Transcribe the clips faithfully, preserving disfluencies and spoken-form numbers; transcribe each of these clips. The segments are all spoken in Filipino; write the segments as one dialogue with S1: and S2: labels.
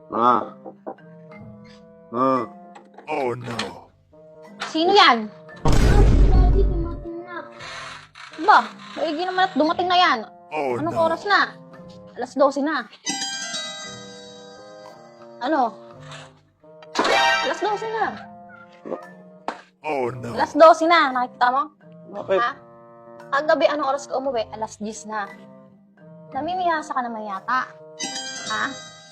S1: Ma. Ma.
S2: Oh no.
S3: Sino yan?
S4: Daddy, dumating na.
S3: Ba, maigi naman at dumating na yan.
S2: Oh
S3: Anong
S2: no.
S3: oras na? Alas dose na. Ano? Alas dose na.
S2: Oh no.
S3: Alas dose na. Nakikita mo?
S1: Bakit?
S3: Ha? Kagabi, anong oras ka umuwi? Alas diyes na. Namimiyasa ka naman yata. Ha?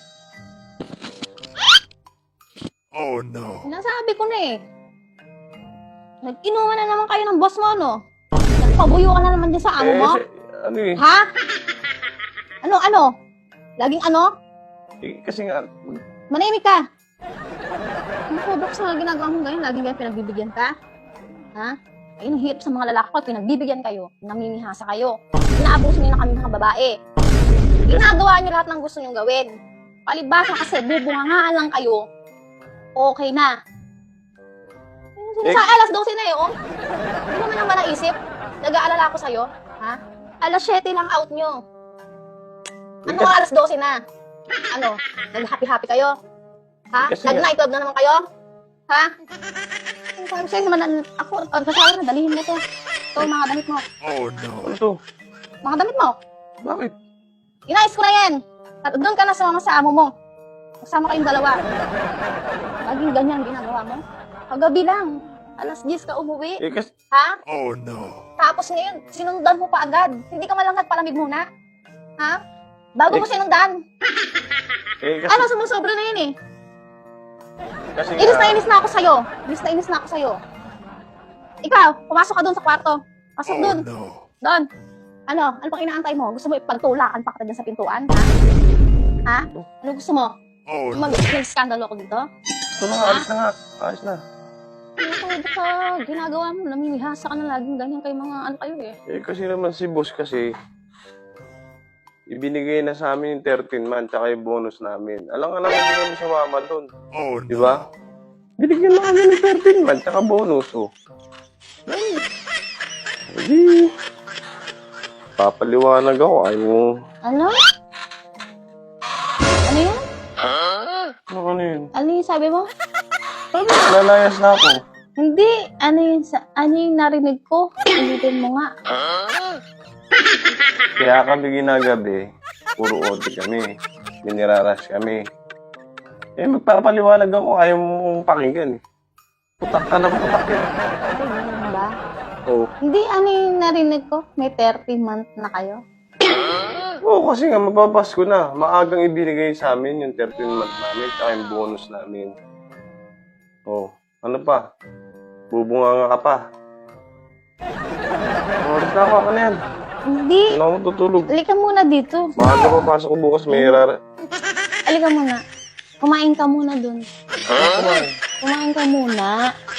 S2: Oh no.
S3: Sinasabi ko na eh. Nag-inuman na naman kayo ng boss mo, no? Nagpabuyo ka na naman dyan sa amo mo?
S1: Eh, si- ano eh.
S3: Ha? Ano, ano? Laging ano?
S1: Eh, kasi nga,
S3: Manimik ka! Ano po, Doc, sa ginagawa mo ngayon? Laging kayo pinagbibigyan ka? Ha? Ayun, ang hirap sa mga lalaki ko, pinagbibigyan kayo, namimihasa kayo. Inaabuso niyo na kami mga babae. Ginagawa niyo lahat ng gusto niyong gawin. Palibasa kasi, bubungangaan lang kayo. Okay na.
S1: Eh,
S3: Sa alas dose na yun, hindi naman naman naisip. Nag-aalala ako sa'yo, ha? Alas siyete lang out nyo. Ano
S1: Kasi-
S3: alas dose na? Ano? Nag-happy-happy kayo? Ha?
S1: Kasi-
S3: Nag-night club na naman kayo? Ha? Ang sabi sa'yo naman, an- ako, ang kasama na, dalihin mo to. Ito, mga damit mo.
S2: Oh no.
S1: ano to?
S3: Mga damit mo.
S1: Bakit?
S3: Inayos ko na yan. At doon ka na sa mga sa amo mo. Kasama kayong dalawa. Laging ganyan ginagawa mo. Kagabi lang. Alas diyes ka umuwi.
S1: Eh, kasi,
S3: Ha?
S2: Oh no.
S3: Tapos ngayon, sinundan mo pa agad. Hindi ka malang nagpalamig muna. Ha? Bago mo
S1: Eh,
S3: sinundan.
S1: eh, kasi,
S3: Ano, sumusobra na yun eh.
S1: kasi
S3: Inis na
S1: nga,
S3: inis na ako sa'yo. Inis na inis na ako sa'yo. Ikaw, pumasok ka doon sa kwarto. Pasok
S2: Oh
S3: doon.
S2: no.
S3: Doon. Ano? Ano pang inaantay mo? Gusto mo ipagtulakan pa kita dyan sa pintuan? Ha? Ha? Ano gusto mo?
S2: Oh no.
S3: Mag- Mag-skandalo ako dito?
S1: ito na, alis na nga. Alis na.
S3: Ano ko ka? Ginagawa mo. Namimihasa ka na laging ganyan kay mga ano kayo eh.
S1: Eh, kasi naman si boss kasi, ibinigay na sa amin yung thirteen month, tsaka yung bonus namin. Alam nga naman hindi kami sumama doon.
S2: Oh
S1: Di
S2: no.
S1: ba? Binigyan na kami ng thirteen month, tsaka bonus, oh. Ay, hindi. Papaliwanag ako, ayaw mo.
S3: Ano? Ano yun?
S1: Ano, ano yun?
S3: Ano yung sabi mo?
S1: Sabi, nalayas na ako.
S3: Hindi. Ano yung, sa, ano yung narinig ko? Ulitin mo nga.
S1: Kaya kami ginagabi, puro O T kami. Miniraras kami. Eh, magpapaliwanag ako, ayaw mong pakinggan. Putak ka na putak yan.
S3: Ay, ganun ba?
S1: Oo.
S3: Hindi, ano yung narinig ko? May thirty month na kayo?
S1: Oo, kasi nga, mapapasko na. Maagang ibinigay sa amin yung thirteen month namin, tsaka yung bonus namin. Oo. Ano pa? Bubunga nga ka pa. Oras na ako, ako na yan.
S3: Hindi.
S1: Ano ako tutulog?
S3: Halika muna dito.
S1: Maaga papasok ko bukas, may rara.
S3: Halika muna. Kumain ka muna dun.
S1: Kumain.
S3: Kumain ka muna.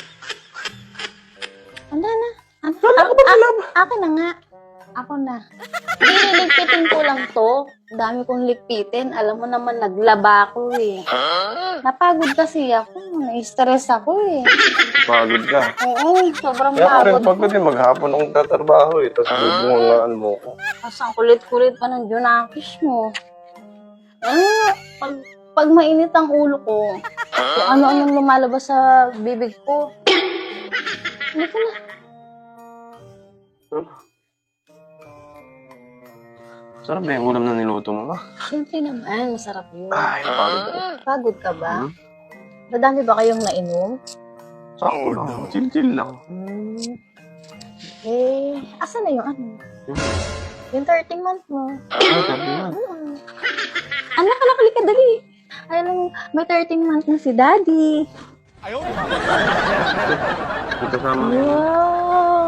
S3: Ano na? Ano?
S1: Wala ka ba
S3: A-
S1: malab?
S3: a- Ako na nga. Ako na. Liligpitin ko lang to. Dami kong ligpitin. Alam mo naman, naglaba ako eh. Napagod kasi ako. Na-stress ako eh.
S1: Pagod ka.
S3: Oo, sobrang
S1: Kaya ako rin
S3: pagod.
S1: pagod eh, maghapon akong tatrabaho eh. Tapos bubungangaan mo ko.
S3: Tapos ang kulit-kulit pa ng Junakis mo. Ano, pag, pag mainit ang ulo ko, kung ano-anong lumalabas sa bibig ko. Hindi ko na.
S1: Sarap ba yung ulam na niluto mo, ma?
S3: Siyempre naman, masarap yun.
S1: Ay, pagod ako.
S3: Pagod ka ba?
S1: Hmm?
S3: Madami ba kayong nainom?
S1: Sakto
S2: Oh,
S1: lang.
S2: no.
S1: Chill-chill lang.
S3: Hmm. Eh, asan na yung ano?
S1: Hmm?
S3: Yung thirteen month mo.
S1: Ay, sabi na.
S3: Hmm. Anak, anak, halika, dali. Ay lang, may thirteen month na si daddy.
S1: May kasama na yun.
S3: Wow.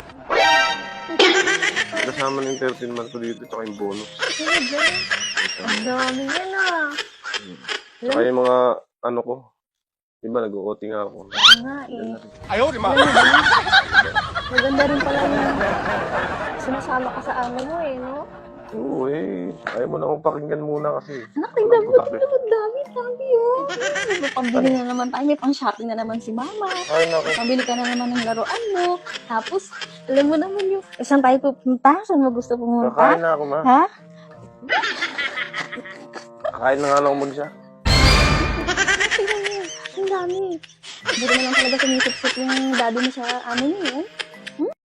S1: May kasama na yung thirteen month ko dito, tsaka yung bonus.
S3: Ang dami yan ah.
S1: Tsaka yung mga, ano ko, diba, nag-O T nga ako.
S3: Oo nga eh.
S2: Ayaw di ma.
S3: Maganda rin pala yung sinasama ka sa amo mo eh, no?
S1: Oo eh, ayaw mo na akong pakinggan muna kasi.
S3: Anak, tingnan mo, tingnan mo, dami, dami oh. May pambili na naman tayo, may pang-shopping na naman si mama.
S1: Ay, naku.
S3: Pambili ka na naman ng laruan mo. Tapos, alam mo naman yung, eh, saan tayo pupunta? Saan mo gusto pumunta?
S1: Kakain na ako, ma.
S3: Ha?
S1: Kakain na nga lang ako mag-isa.
S3: dami. Buti na lang talaga sumisip-sip yung daddy mo sa amo niyo, eh.